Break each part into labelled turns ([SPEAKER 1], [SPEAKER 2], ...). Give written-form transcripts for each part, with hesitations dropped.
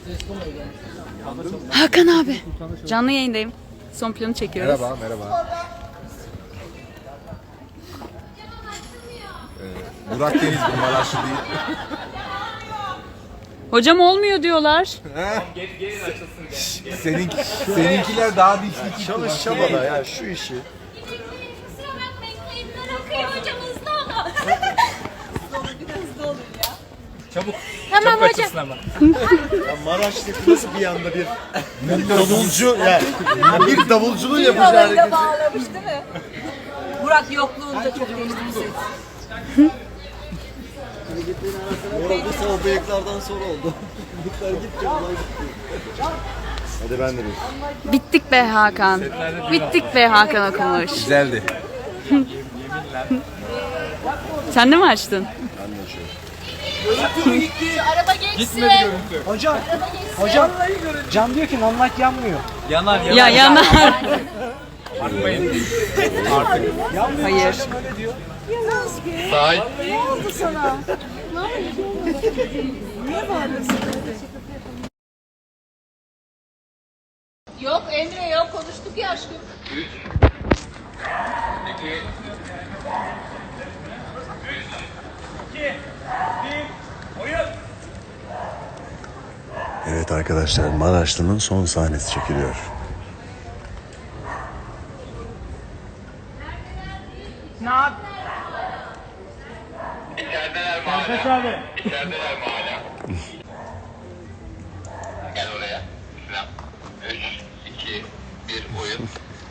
[SPEAKER 1] Hakan abi. Canlı yayındayım. Son planı çekiyoruz.
[SPEAKER 2] Merhaba, merhaba. Burak Deniz bu Maraşlı değil.
[SPEAKER 1] Hocam olmuyor diyorlar.
[SPEAKER 2] Seninkiler daha dişli.
[SPEAKER 3] Çalış çabala ya şu işi.
[SPEAKER 4] Kusura bakmayın kayıplar akıyor hocam hızlı olun. Hızlı olun ya.
[SPEAKER 5] Çabuk.
[SPEAKER 4] Tamam
[SPEAKER 5] Çabuk
[SPEAKER 4] hocam.
[SPEAKER 5] açılsın ama.
[SPEAKER 3] Ya Maraş'taki nasıl bir anda bir davulcu yani bir davulcunun yapacağı
[SPEAKER 4] Olayı da
[SPEAKER 3] hareket.
[SPEAKER 4] bağlamış değil mi? Burak yokluğunda çok değişti bu ses.
[SPEAKER 3] Orada sol bıyıklardan sonra oldu. Bıyıklar gitti, olay gitti. Hadi ben de bir.
[SPEAKER 1] Bittik be Hakan. Bittik be Hakan okumuş.
[SPEAKER 2] Güzeldi.
[SPEAKER 1] Sen de mi açtın?
[SPEAKER 3] Ben de açıyorum.
[SPEAKER 4] Araba geçsin.
[SPEAKER 6] Hocam, hocam cam diyor ki non-light yanmıyor.
[SPEAKER 5] Yanar yanar.
[SPEAKER 1] Ya yanar.
[SPEAKER 5] Bakmayın.
[SPEAKER 1] Hayır.
[SPEAKER 5] Sahil.
[SPEAKER 4] Yok Emre yok konuştuk ya aşkım.
[SPEAKER 3] Evet arkadaşlar Maraşlı'nın son sahnesi çekiliyor.
[SPEAKER 7] İçerideler mi hala? İçerideler mi hala? Gel oraya. Selam. 3, 2, 1 oyun.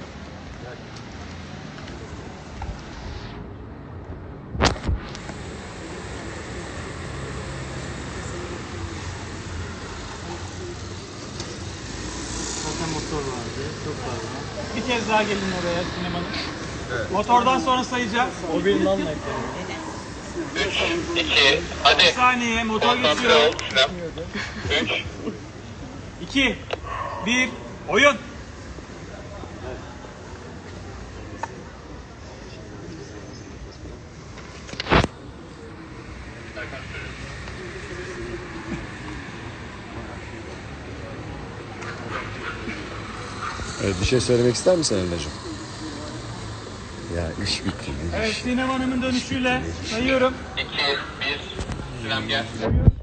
[SPEAKER 6] Zaten motor vardı, çok fazla. Bir kez daha gelin oraya sinemanın. Evet. Motordan sonra sayacağız. O bir non-light.
[SPEAKER 7] 3, 2, hadi.
[SPEAKER 6] Bir saniye motor
[SPEAKER 7] Konsantre
[SPEAKER 6] geçiyor.
[SPEAKER 7] ol. Selam. 3,
[SPEAKER 6] 2, 1, oyun.
[SPEAKER 3] Evet bir şey söylemek ister misin Emre'cim? Ya iş bitti.
[SPEAKER 6] Evet Sinem Hanım'ın dönüşüyle sayıyorum.
[SPEAKER 7] 2, 1. Selam gel.